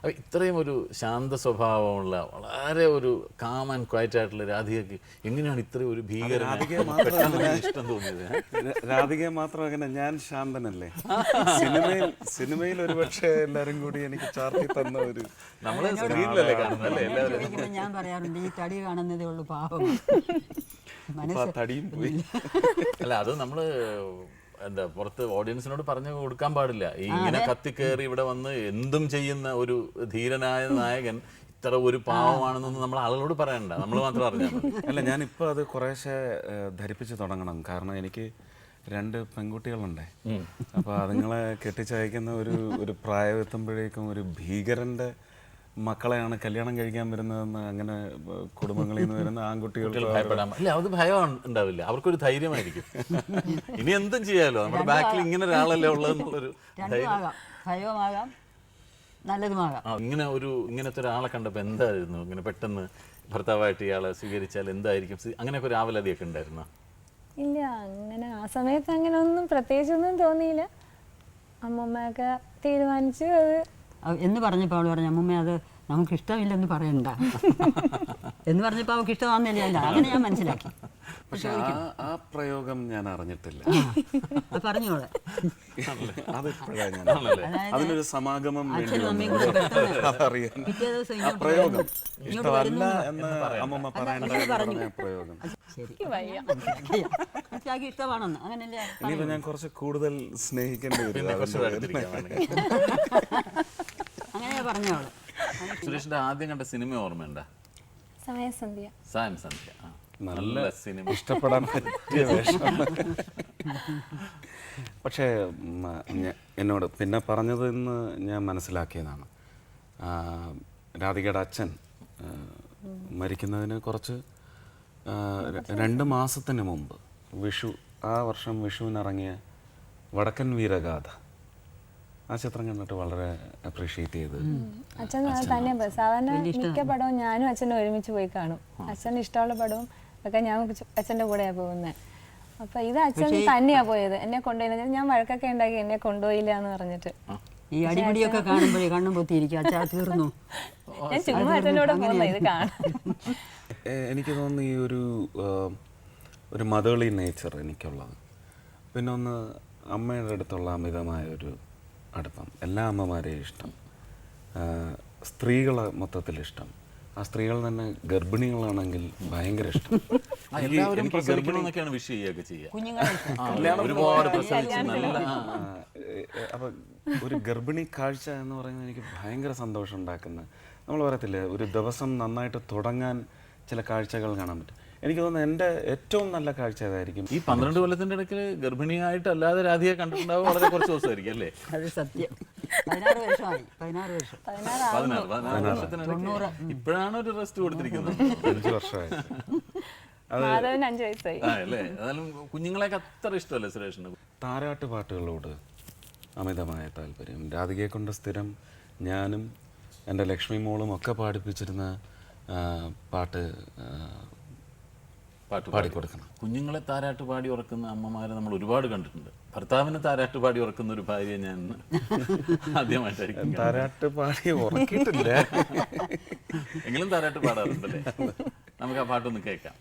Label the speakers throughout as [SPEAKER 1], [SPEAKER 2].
[SPEAKER 1] അപ്പോൾ ഇത്രയും ഒരു ശാന്ത സ്വഭാവമുള്ള വളരെ ഒരു കാം ആൻഡ് ക്വയറ്റ് ആയിട്ടുള്ള രാധികയ്ക്ക് എങ്ങനെയാണ് ഇത്രയും ഒരു ഇഷ്ടം തോന്നിയത്?
[SPEAKER 2] രാധികയെ മാത്രം അങ്ങനെ, ഞാൻ ശാന്തനല്ലേ. സിനിമയിൽ ഒരുപക്ഷെ എല്ലാരും കൂടി എനിക്ക് ചാർത്തി തന്ന ഒരു
[SPEAKER 1] നമ്മള് സ്ക്രീനിലല്ലേ കാണുന്നല്ലേ എല്ലാവരും.
[SPEAKER 3] ഞാൻ പറയാറുണ്ട് ഈ തടി കാണുന്നതേ ഉള്ളൂ പാവം.
[SPEAKER 2] തടിയും പോയി.
[SPEAKER 1] അല്ല അത് നമ്മള് എന്താ പുറത്ത് ഓഡിയൻസിനോട് പറഞ്ഞു കൊടുക്കാൻ പാടില്ല. ഈ ഇങ്ങനെ കത്തിക്കേറി ഇവിടെ വന്ന് എന്തും ചെയ്യുന്ന ഒരു ധീരനായ നായകൻ ഇത്ര ഒരു പാവമാണെന്നൊന്നും നമ്മൾ ആളുകളോട് പറയണ്ട, നമ്മൾ മാത്രം അറിഞ്ഞാൽ മതി.
[SPEAKER 2] അല്ല, ഞാനിപ്പോൾ അത് കുറേശ്ശെ ധരിപ്പിച്ച് തുടങ്ങണം. കാരണം എനിക്ക് 2 പെൺകുട്ടികളുണ്ടേ. അപ്പോൾ അതുങ്ങളെ കെട്ടിച്ചയക്കുന്ന ഒരു പ്രായം എത്തുമ്പോഴേക്കും ഒരു ഭീകരൻ്റെ മക്കളെയാണ് കല്യാണം കഴിക്കാൻ വരുന്നതെന്ന്, അങ്ങനെ കുടുംബങ്ങളിൽ നിന്ന് വരുന്ന ആൺകുട്ടികൾക്ക്
[SPEAKER 1] ഭയപ്പെടാൻ അല്ല, അത് ഭയം ഉണ്ടാവില്ല, അവർക്കൊരു ധൈര്യമായിരിക്കും. ഇനി എന്തും ചെയ്യാലോ, നമ്മുടെ ബാക്കിൽ ഇങ്ങനെ ഒരാളല്ലേ ഉള്ളതെന്നുള്ളൊരു
[SPEAKER 3] ഭയവുമാകാം നല്ലതുമാകാം.
[SPEAKER 1] ഇങ്ങനത്തെ ഒരാളെ കണ്ടപ്പോൾ എന്തായിരുന്നു ഇങ്ങനെ പെട്ടെന്ന് ഭർത്താവായിട്ട് ഇയാളെ സ്വീകരിച്ചാൽ എന്തായിരിക്കും, അങ്ങനെയൊക്കെ ഒരു ആവലാതിയൊക്കെ ഉണ്ടായിരുന്നോ?
[SPEAKER 4] ഇല്ല, അങ്ങനെ ആ സമയത്ത് അങ്ങനെ ഒന്നും പ്രത്യേകിച്ചൊന്നും തോന്നിയില്ല. അമ്മൂമ്മയൊക്കെ തീരുമാനിച്ചു അത്
[SPEAKER 3] എന്ന് പറഞ്ഞപ്പോൾ അവൾ പറഞ്ഞു അമ്മൂമ്മ അത് നമുക്ക് ഇഷ്ടമില്ലെന്ന് പറയണ്ട എന്ന് പറഞ്ഞപ്പോൾ അവൾക്ക് ഇഷ്ടമാണെന്നില്ല. അല്ല, അങ്ങനെ ഞാൻ മനസ്സിലാക്കി.
[SPEAKER 2] പക്ഷെ ആ പ്രയോഗം ഞാൻ അറിഞ്ഞിട്ടില്ല.
[SPEAKER 3] പറഞ്ഞോളെ
[SPEAKER 2] അതിനൊരു സമാഗമം അറിയാൻ
[SPEAKER 3] പ്രയോഗം
[SPEAKER 2] ഇഷ്ടമല്ല എന്ന് അമ്മമ്മ പറയേണ്ട പ്രയോഗം
[SPEAKER 3] ഇഷ്ടമാണെന്ന് അങ്ങനല്ലേ.
[SPEAKER 2] ഇനിയിപ്പോ ഞാൻ കുറച്ച് കൂടുതൽ സ്നേഹിക്കേണ്ടി വരും.
[SPEAKER 3] അങ്ങനെ പറഞ്ഞോളെ.
[SPEAKER 1] സുരേഷിന്റെ ആദ്യം കണ്ട സിനിമ ഓർമ്മയുണ്ടോ?
[SPEAKER 4] സമയസന്ധ്യ.
[SPEAKER 1] സമയസന്ധ്യ നല്ല സിനിമ,
[SPEAKER 2] ഇഷ്ടപ്പെടാൻ പറ്റിയ വേഷം. പക്ഷേ എന്നോട് പിന്നെ പറഞ്ഞതെന്ന് ഞാൻ മനസ്സിലാക്കിയതാണ്, രാധികയുടെ അച്ഛൻ മരിക്കുന്നതിന് കുറച്ച് 2 മാസത്തിന് മുമ്പ് ആ വർഷം വിഷുവിനിറങ്ങിയ വടക്കൻ വീരഗാഥ, ആ ചിത്രം കണ്ടിട്ട് വളരെ അപ്രീഷിയേറ്റ് ചെയ്ത്
[SPEAKER 4] അച്ഛൻ തന്നെ സാധാരണ മിക്ക പടവും ഞാനും അച്ഛനും ഒരുമിച്ച് പോയി കാണും. അച്ഛന് ഇഷ്ടമുള്ള പടവും ഒക്കെ ഞാൻ അച്ഛൻ്റെ കൂടെയാണ് പോകുന്നത്. അപ്പൊ ഇത് അച്ഛൻ തന്നെയാ പോയത്, എന്നെ കൊണ്ടുപോയി. ഞാൻ വഴക്കൊക്കെ ഉണ്ടാക്കി എന്നെ കൊണ്ടുപോയില്ല എന്ന് പറഞ്ഞിട്ട്.
[SPEAKER 3] ഈ അടിപിടിയൊക്കെ കാണുമ്പോഴേ കണ്ണും പൊത്തിയിരിക്കും, അച്ഛാ തീർന്നു.
[SPEAKER 4] ഞാൻ ചുമ്മാ അച്ഛൻ്റെ കൂടെ പോകുന്ന ഇത് കാണാം.
[SPEAKER 2] എനിക്ക് തോന്നുന്നു ഈ ഒരു മതേളി നേച്ചർ എനിക്കുള്ളത്. പിന്നെ ഒന്ന് അമ്മയുടെ അടുത്തുള്ള അമിതമായ ഒരു അടുപ്പം, എല്ലാ അമ്മമാരെയും ഇഷ്ടം, സ്ത്രീകളെ മൊത്തത്തിൽ ഇഷ്ടം. ആ സ്ത്രീകൾ തന്നെ ഗർഭിണികളാണെങ്കിൽ ഭയങ്കര ഇഷ്ടം. അപ്പൊ ഒരു ഗർഭിണി കാഴ്ച എന്ന് പറയുന്നത് എനിക്ക് ഭയങ്കര സന്തോഷം ഉണ്ടാക്കുന്ന, നമ്മൾ പറയത്തില്ലേ ഒരു ദിവസം നന്നായിട്ട് തുടങ്ങാൻ ചില കാഴ്ചകൾ കാണാൻ പറ്റും. എനിക്ക് തോന്നുന്നു എൻ്റെ ഏറ്റവും നല്ല കാഴ്ച ഏതായിരിക്കും.
[SPEAKER 1] ഈ 12 കൊല്ലത്തിന്റെ ഇടയ്ക്ക് ഗർഭിണിയായിട്ട് അല്ലാതെ രാധികയെ കണ്ടിട്ടുണ്ടാവും വളരെ കുറച്ച് ദിവസമായിരിക്കും അല്ലേ?
[SPEAKER 3] അത് സത്യം. 16 വർഷമായി. 16 വർഷം.
[SPEAKER 1] ഇപ്പോഴാണ് ഒരു റെസ്റ്റ് കൊടുത്തിരിക്കുന്നത്.
[SPEAKER 2] 5 വർഷമായി.
[SPEAKER 4] മാധവന് 5 വയസ്സായി
[SPEAKER 1] അല്ലേ? അതായാലും കുഞ്ഞുങ്ങളെയൊക്കെ അത്ര ഇഷ്ടമല്ലേ സുരേഷിന്?
[SPEAKER 2] താരാട്ട് പാട്ടുകളോട് അമിതമായ താല്പര്യം. രാധികയെ കൊണ്ട് സ്ഥിരം ഞാനും എൻ്റെ ലക്ഷ്മി മോളും ഒക്കെ പാടിപ്പിച്ചിരുന്ന പാട്ട് പാടിക്കൊടുക്കണം.
[SPEAKER 1] കുഞ്ഞുങ്ങളെ താരാട്ട് പാടി ഉറക്കുന്ന അമ്മമാരെ നമ്മൾ ഒരുപാട് കണ്ടിട്ടുണ്ട്. ഭർത്താവിനെ താരാട്ട് പാടി ഉറക്കുന്ന ഒരു ഭാര്യ ഞാൻ ആദ്യമായിട്ടായിരിക്കും.
[SPEAKER 2] താരാട്ട് പാടി ഉറക്കിയിട്ടില്ല,
[SPEAKER 1] എങ്കിലും താരാട്ട് പാടാറുണ്ടല്ലേ? നമുക്ക് ആ പാട്ടൊന്ന് കേൾക്കാം.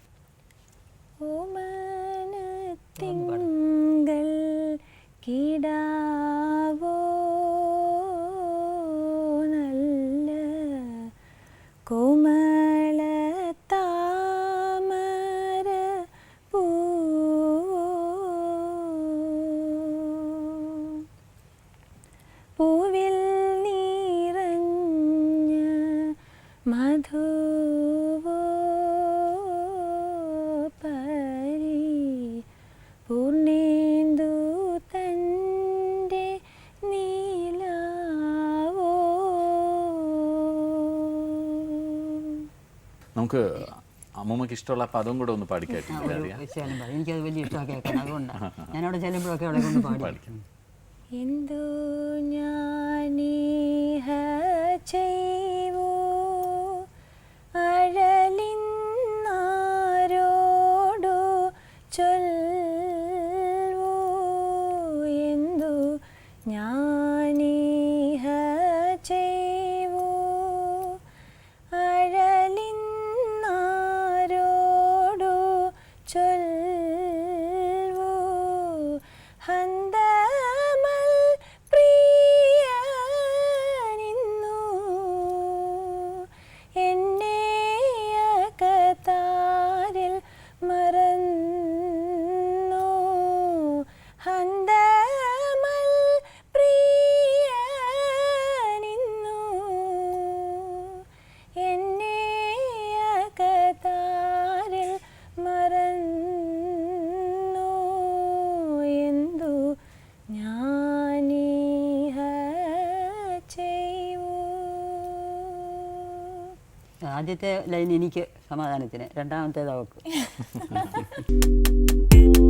[SPEAKER 4] പൂവിൽ നിറഞ്ഞ മധുവോ പരി പൂർണ്ണേന്ദു തൻ്റെ നീലാവോ.
[SPEAKER 1] നമുക്ക് അമ്മൂമ്മക്ക് ഇഷ്ടമുള്ള പദം കൂടെ ഒന്ന് പാടിക്കാറ്റില്ല?
[SPEAKER 3] എനിക്കത് വലിയ ഇഷ്ടമൊക്കെ കേൾക്കണം, അതുകൊണ്ടാണ് ഞാനവിടെ ചെല്ലുമ്പോഴൊക്കെ അവളെ കൊണ്ട് പാടിക്കും.
[SPEAKER 4] എന്തു ഞാനീഹ ചെയ്വോ അഴലിന്നാരോടു ചൊൽവോ, എന്തു ഞാനീഹ ചെയ്വോ
[SPEAKER 3] ആദ്യത്തെ ലൈൻ എനിക്ക് സമാധാനത്തിന്, രണ്ടാമത്തേത് അവൾക്ക്.